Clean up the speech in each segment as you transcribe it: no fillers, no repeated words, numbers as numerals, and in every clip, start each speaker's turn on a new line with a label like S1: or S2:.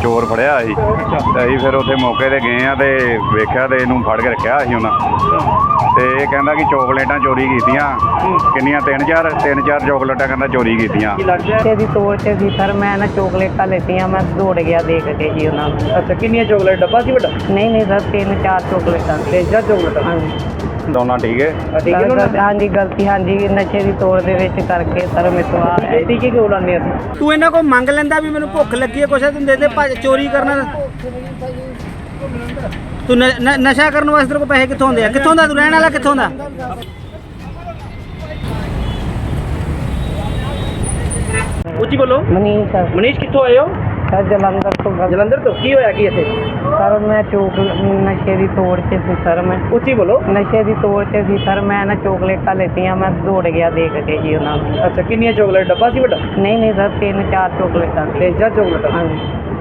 S1: ਚੋਰ ਫੜਿਆ ਸੀ ਤੇ ਅਸੀਂ ਫਿਰ ਉੱਥੇ ਮੌਕੇ 'ਤੇ ਗਏ ਆ ਤੇ ਵੇਖਿਆ ਤੇ ਇਹਨੂੰ ਫੜ ਕੇ ਰੱਖਿਆ ਸੀ ਉਹਨਾਂ ਤੇ ਇਹ ਕਹਿੰਦਾ ਕਿ ਚੋਕਲੇਟਾਂ ਚੋਰੀ ਕੀਤੀਆਂ ਕਿੰਨੀਆਂ ਤਿੰਨ ਚਾਰ ਚੋਕਲੇਟਾਂ ਕਹਿੰਦਾ ਚੋਰੀ ਕੀਤੀਆਂ।
S2: ਦੀ ਤੋੜ ਤੇ ਸੀ ਸਰ ਮੈਂ ਨਾ ਚੋਕਲੇਟਾਂ ਲੈਤੀਆਂ ਮੈਂ ਦੌੜ ਗਿਆ ਦੇਖ ਕੇ ਜੀ ਉਹਨਾਂ ਨੂੰ।
S3: ਅੱਛਾ ਕਿੰਨੀਆਂ ਚੋਕਲੇਟ ਡੱਬਾ ਸੀ ਵੱਡਾ?
S2: ਨਹੀਂ ਸਰ 3-4 ਚੋਕਲੇਟਾਂ
S3: ਤੇ ਜਾਂ ਚੋਕਲੇਟ
S2: ਹਾਂਜੀ
S1: ਦੋਨਾਂ ਠੀਕ ਹੈ।
S2: ਹਾਂਜੀ ਗਲਤੀ ਹਾਂਜੀ ਨਸ਼ੇ ਦੀ ਤੋੜ ਦੇ ਵਿੱਚ ਕਰਕੇ ਸਰ ਮੇਰੇ ਤੋਂ ਆ
S3: ਟੀਕੇ ਕਿਉਂ ਲਾਉਂਦੇ ਅਸੀਂ?
S4: ਤੂੰ ਇਹਨਾਂ ਕੋਲ ਮੰਗ ਲੈਂਦਾ ਵੀ ਮੈਨੂੰ ਭੁੱਖ ਲੱਗੀ ਹੈ ਕੁਛ ਤੂੰ ਦੇ ਦੇ ਚੋਰੀ ਕਰਨਾ ਤੂੰ ਨਸ਼ਾ ਕਰਨ ਵਾਸਤੇ ਤੇਰੇ ਕੋਲ ਪੈਸੇ ਕਿੱਥੋਂ ਆਉਂਦੇ ਆ? ਕਿੱਥੋਂ ਦਾ ਤੂੰ ਰਹਿਣ ਵਾਲਾ ਕਿੱਥੋਂ ਦਾ?
S3: ਉੱਚੀ ਬੋਲੋ।
S2: ਮਨੀਸ਼ ਸਰ
S3: ਮਨੀਸ਼ ਕਿੱਥੋਂ ਆਏ ਹੋ?
S2: ਸਰ ਜਲੰਧਰ ਤੋਂ
S3: ਜਲੰਧਰ ਤੋਂ। ਕੀ ਹੋਇਆ ਕੀ ਇੱਥੇ?
S2: ਸਰ ਮੈਂ ਨਸ਼ੇ ਦੀ ਤੋੜ 'ਚ ਸੀ ਸਰ ਮੈਂ
S3: ਉੱਚੀ ਬੋਲੋ।
S2: ਨਸ਼ੇ ਦੀ ਤੋੜ 'ਚ ਸੀ ਸਰ ਮੈਂ ਨਾ ਚੋਕਲੇਟਾਂ ਲੈਤੀਆਂ ਮੈਂ ਦੌੜ ਗਿਆ ਦੇਖ ਕੇ ਜੀ ਉਹਨਾਂ ਨੂੰ।
S3: ਅੱਛਾ ਕਿੰਨੀਆਂ ਚੋਕਲੇਟ ਡੱਬਾ ਸੀ ਵੱਡਾ?
S2: ਨਹੀਂ ਸਰ 3-4 ਚੋਕਲੇਟਾਂ
S3: ਤੇ ਜਾਂ ਚੋਕਲੇਟ
S2: ਹਾਂਜੀ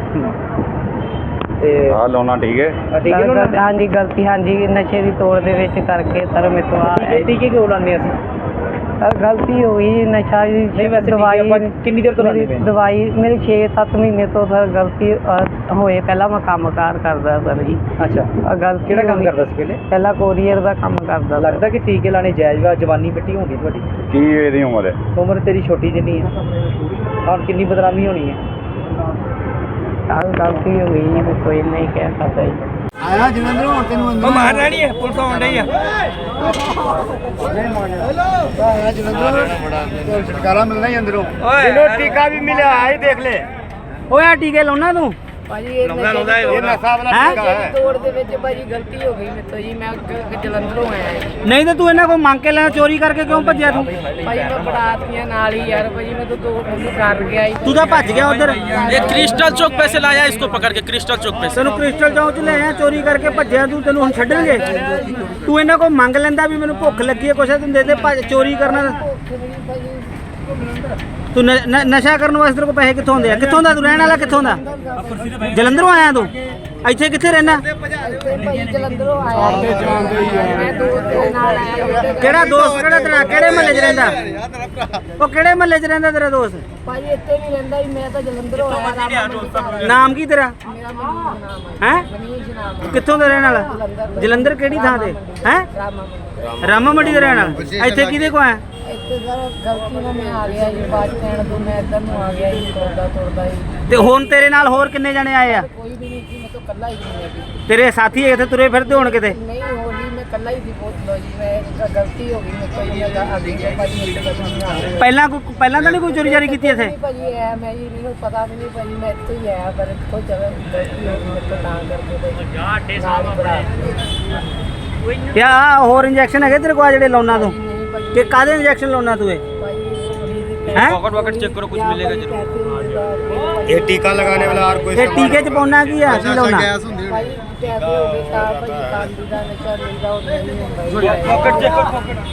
S3: ਤੇ
S1: ਆਹ ਲਾਉਣਾ ਠੀਕ ਹੈ।
S3: ਟੀਕੇ ਕਿਉਂ ਲਾਉਂਦੇ?
S2: ਹਾਂਜੀ ਗਲਤੀ ਹਾਂਜੀ ਨਸ਼ੇ ਦੀ ਤੋੜ ਦੇ ਵਿੱਚ ਕਰਕੇ ਸਰ ਮੇਰੇ ਤੋਂ ਆ
S3: ਟੀਕੇ ਕਿਉਂ ਲਾਉਂਦੇ ਅਸੀਂ?
S2: ਸਰ ਗਲਤੀ ਹੋ ਗਈ ਨਸ਼ਾ ਦੀ
S3: ਨਹੀਂ ਵੈਸੇ
S2: ਦਵਾਈ
S3: ਆਪਾਂ ਕਿੰਨੀ ਦੇਰ ਤੋਂ ਲਾਉਂਦੇ ਪਏ?
S2: ਦਵਾਈ ਮੇਰੀ 6-7 ਮਹੀਨੇ ਤੋਂ ਸਰ ਗਲਤੀ ਹੋਏ ਪਹਿਲਾਂ ਮੈਂ ਕੰਮਕਾਰ ਕਰਦਾ ਸਰ ਜੀ।
S3: ਅੱਛਾ
S2: ਗਲਤੀ
S3: ਕਿਹੜਾ ਕੰਮ
S2: ਹੋ ਗਈ।
S3: ਕਰਦਾ ਸੀ ਪਹਿਲੇ?
S2: ਪਹਿਲਾਂ ਕੋਰੀਅਰ ਦਾ ਕੰਮ ਕਰਦਾ ਸਰ।
S3: ਲੱਗਦਾ ਕਿ ਟੀਕੇ ਲਾਣੇ ਜਾਇਜ਼ ਵਾ? ਜਵਾਨੀ ਮਿੱਟੀ ਹੋਣੀ ਤੁਹਾਡੀ,
S1: ਕੀ ਇਹਦੀ ਉਮਰ ਹੈ?
S3: ਉਮਰ ਤੇਰੀ ਛੋਟੀ ਜਿੰਨੀ ਹੈ, ਹੁਣ ਕਿੰਨੀ ਬਦਨਾਮੀ ਹੋਣੀ ਹੈ?
S2: ਸਰ ਗਲਤੀ ਹੋ ਗਈ ਜੀ ਕੋਈ ਨਹੀਂ ਕਹਿ ਸਕਦਾ ਜੀ।
S4: ਆਇਆ ਜਲੰਧਰੋਂ ਹੁਣ ਤੈਨੂੰ ਅੰਦਰ ਮਾਰ ਰਹਿਣੀ ਹੈ ਪੁਲਿਸ ਆਉਣ ਡਈ ਆ
S5: ਛੁਟਕਾਰਾ ਮਿਲਣਾ ਹੀ ਅੰਦਰੋਂ।
S3: ਇਹਨੂੰ ਟੀਕਾ ਵੀ ਮਿਲਿਆ ਆਈ ਦੇਖ ਲੈ।
S4: ਓਏ ਆ ਟੀਕੇ ਲਾਉਣਾ ਤੂੰ
S2: ਭਾਜੀ
S5: ਇਹ ਨਸ਼ਾ ਵਾਲਾ ਟੀਕਾ ਹੈ।
S2: ਤੋੜ ਦੇ ਵਿੱਚ ਭਾਜੀ ਗਲਤੀ ਹੋ ਗਈ ਮੇਰੇ ਤੋਂ ਜੀ ਮੈਂ ਜਲੰਧਰੋਂ ਆਇਆ ਜੀ।
S4: ਨਹੀਂ ਤੇ ਤੂੰ ਇਹਨਾਂ ਕੋਲ ਮੰਗ ਕੇ ਲੈਣਾ ਚੋਰੀ ਕਰਕੇ ਕਿਉਂ ਭੱਜਿਆ ਤੂੰ?
S2: ਭਾਜੀ ਮੈਂ ਬੜਾਤੀਆਂ ਨਾਲ ਹੀ ਯਾਰ ਭਾਜੀ ਮੈਂ ਤਾਂ ਦੋ ਬੰਦੇ ਕਰ ਗਿਆ ਜੀ।
S4: ਤੂੰ ਤਾਂ ਭੱਜ ਗਿਆ ਉਧਰ
S6: ये क्रिस्टल चौक पे से लाया इसको पकड़ के क्रिस्टल चौक पे से।
S4: ਤੈਨੂੰ ਕ੍ਰਿਸਟਲ ਚੌਂਕ ਚ ਲੈ ਆਇਆ ਚੋਰੀ ਕਰਕੇ ਭੱਜਿਆ ਤੂੰ ਤੈਨੂੰ ਹੁਣ ਛੱਡਣਗੇ? ਤੂੰ ਇਹਨਾਂ ਕੋਲ ਮੰਗ ਲੈਂਦਾ ਵੀ ਮੈਨੂੰ ਭੁੱਖ ਲੱਗੀ ਹੈ ਕੁਛ ਤੂੰ ਦੇ ਦੇ ਚੋਰੀ ਕਰਨਾ ਤੂੰ ਨਸ਼ਾ ਕਰਨ ਵਾਸਤੇ ਤੇਰੇ ਕੋਲ ਪੈਸੇ ਕਿੱਥੋਂ ਆਉਂਦੇ ਆ? ਕਿੱਥੋਂ ਦਾ ਤੂੰ ਰਹਿਣ ਵਾਲਾ ਕਿੱਥੋਂ ਦਾ? ਜਲੰਧਰੋਂ ਆਇਆ ਤੂੰ? ਇੱਥੇ ਕਿੱਥੇ ਰਹਿਣਾ?
S2: ਭਾਜੀ ਜਲੰਧਰੋਂ ਆਇਆ ਮੈਂ ਦੋਸਤ ਦੇ ਨਾਲ ਆਇਆ।
S4: ਕਿਹੜਾ ਦੋਸਤ ਕਿਹੜਾ ਤੇਰਾ ਕਿਹੜੇ ਮਹੱਲੇ 'ਚ ਰਹਿੰਦਾ? ਉਹ ਕਿਹੜੇ ਮਹੱਲੇ 'ਚ ਰਹਿੰਦਾ ਤੇਰਾ ਦੋਸਤ?
S2: ਭਾਜੀ ਇੱਥੇ ਨਹੀਂ ਰਹਿੰਦਾ ਜੀ ਮੈਂ ਤਾਂ ਜਲੰਧਰੋਂ ਆਇਆ।
S4: ਨਾਮ ਕੀ ਤੇਰਾ?
S2: ਮੇਰਾ ਮਨੀਸ਼ ਨਾਮ ਹੈ।
S4: ਹੈ
S2: ਮਨੀਸ਼ ਨਾਮ ਹੈ।
S4: ਕਿੱਥੋਂ ਦਾ ਰਹਿਣ ਵਾਲਾ? ਜਲੰਧਰ ਕਿਹੜੀ ਥਾਂ ਤੇ ਹੈ? ਰਾਮਾ ਮੰਡੀ ਦਾ ਰਹਿਣ ਵਾਲਾ। ਇੱਥੇ ਕਿਹਦੇ ਕੋ ਆਇਆ?
S2: ਇੱਥੇ ਸਰ ਗਲਤੀ ਨਾਲ ਮੈਂ ਆ ਗਿਆ ਜੀ ਬੱਸ ਸਟੈਂਡ ਤੋਂ ਮੈਂ ਇੱਧਰ ਨੂੰ ਆ ਗਿਆ ਜੀ ਤੁਰਦਾ ਜੀ।
S4: ਤੇ ਹੁਣ ਤੇਰੇ ਨਾਲ ਹੋਰ ਕਿੰਨੇ ਜਣੇ ਆਏ ਆ?
S2: ਕੋਈ ਵੀ ਨਹੀਂ ਸੀ ਮੈਂ ਤਾਂ ਇਕੱਲਾ ਹੀ ਸੀ।
S4: ਤੇਰੇ ਸਾਥੀ ਇੱਥੇ ਤੁਰੇ ਫਿਰਦੇ ਹੋਣ ਕਿਤੇ?
S2: ਨਹੀਂ ਹੋ ਜੀ ਮੈਂ ਇਕੱਲਾ ਹੀ ਸੀ ਬਹੁਤ ਲੋ ਜੀ ਮੈਂ ਗਲਤੀ ਹੋ ਗਈ ਮੇਰੇ ਤੋਂ ਜੀ ਮੈਂ ਅੱਗੇ ਗਿਆ ਭਾਜੀ ਮੇਰੇ ਤੋਂ ਨਹੀਂ ਆ ਰਿਹਾ।
S4: ਪਹਿਲਾਂ ਤਾਂ ਨਹੀਂ ਕੋਈ ਚੋਰੀ ਜਾਰੀ ਕੀਤੀ ਇੱਥੇ?
S2: ਭਾਜੀ ਐ ਮੈਂ ਜੀ ਮੈਨੂੰ ਪਤਾ ਵੀ ਨਹੀਂ ਭਾਜੀ ਮੈਂ ਇੱਥੇ ਹੀ ਆਇਆ ਪਰ ਕੋਈ ਜਗ੍ਹਾ ਗਲਤੀ ਹੋ ਗਈ ਮੇਰੇ ਤੋਂ ਤਾਂ ਕਰਕੇ ਨਾਲ ਹੀ ਬੜਾ
S4: ਯਾ ਹੋਰ ਇੰਜੈਕਸ਼ਨ ਹੈਗੇ ਤੇਰੇ ਕੋਲ ਜਿਹੜੇ ਲਾਉਣਾ ਤੂੰ? ਕਿ ਕਾਹਦੇ ਇੰਜੈਕਸ਼ਨ ਲਾਉਣਾ ਤੂੰ? ਹੈ
S6: पॉकेट वॉकेट चेक करो कुछ मिलेगा जरूर।
S5: ਇਹ ਟੀਕਾ ਲਗਾने वाला और कोई
S4: ਇਹ ਟੀਕੇ 'ਚ ਪਾਉਣਾ ਕੀ ਆ? ਕੀ ਲਾਉਣਾ?
S2: ਭਾਜੀ ਪੈਸੇ ਹੋ ਗਏ ਤਾਂ ਭਾਜੀ ਕਾਂਡੀ ਦਾ ਨਸ਼ਾ ਮਿਲਦਾ ਉਹ ਨਹੀਂ ਹੁੰਦਾ ਜੀ।
S6: पॉकेट चेक करो पॉकेट।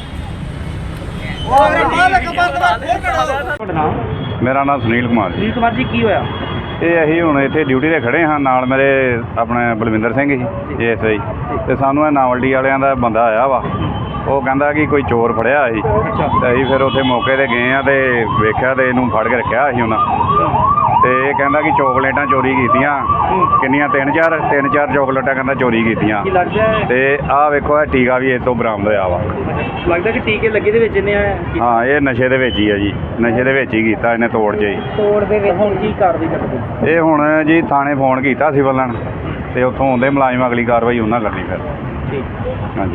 S3: ਤੁਹਾਡਾ ਨਾਮ?
S1: ਮੇਰਾ ਨਾਮ ਸੁਨੀਲ ਕੁਮਾਰ ਜੀ।
S3: ਸੁਨੀਲ ਕੁਮਾਰ ਜੀ ਕੀ ਹੋਇਆ?
S1: ਇਹ ਅਸੀਂ ਹੁਣ ਇੱਥੇ ਡਿਊਟੀ 'ਤੇ ਖੜੇ ਹਾਂ ਨਾਲ ਮੇਰੇ ਆਪਣੇ ਬਲਵਿੰਦਰ ਸਿੰਘ ਜੀ ਐਸਆਈ ਤੇ ਸਾਨੂੰ ਇਹ ਨਾਵਲਡੀ ਵਾਲਿਆਂ ਦਾ ਬੰਦਾ ਆਇਆ ਵਾ। ਉਹ ਕਹਿੰਦਾ ਕਿ ਕੋਈ ਚੋਰ ਫੜਿਆ ਸੀ ਤੇ ਅਸੀਂ ਫਿਰ ਉੱਥੇ ਮੌਕੇ 'ਤੇ ਗਏ ਆ ਤੇ ਵੇਖਿਆ ਤੇ ਇਹਨੂੰ ਫੜ ਕੇ ਰੱਖਿਆ ਸੀ ਉਹਨਾਂ ਤੇ ਇਹ ਕਹਿੰਦਾ ਕਿ ਚੋਕਲੇਟਾਂ ਚੋਰੀ ਕੀਤੀਆਂ ਕਿੰਨੀਆਂ ਤਿੰਨ ਚਾਰ ਚੋਕਲੇਟਾਂ ਕਹਿੰਦਾ ਚੋਰੀ ਕੀਤੀਆਂ
S3: ਕੀ ਲੱਗਦਾ ਹੈ?
S1: ਤੇ ਆਹ ਵੇਖੋ ਇਹ ਟੀਕਾ ਵੀ ਇਹ ਤੋਂ ਬਰਾਮਦ ਹੋਇਆ ਵਾ।
S3: ਲੱਗਦਾ ਕਿ ਟੀਕੇ ਲੱਗੇ ਦੇ ਵਿੱਚ ਇਹਨੇ
S1: ਹਾਂ ਇਹ ਨਸ਼ੇ ਦੇ ਵਿੱਚ ਹੀ ਆ ਜੀ। ਨਸ਼ੇ ਦੇ ਵਿੱਚ ਹੀ ਕੀਤਾ ਇਹਨੇ ਤੋੜ 'ਚ ਹੀ।
S2: ਤੋੜ ਦੇ ਵਿੱਚ
S3: ਹੁਣ ਕੀ ਕਾਰਵਾਈ ਕਰਦੇ?
S1: ਇਹ ਹੁਣ ਜੀ ਥਾਣੇ ਫੋਨ ਕੀਤਾ ਸੀ ਬੱਲਣ ਤੇ ਉੱਥੋਂ ਆਉਂਦੇ ਮੁਲਾਜ਼ਮ ਅਗਲੀ ਕਾਰਵਾਈ ਉਹਨਾਂ ਕਰਨੀ ਫਿਰ।
S3: ਠੀਕ।
S1: ਹਾਂਜੀ।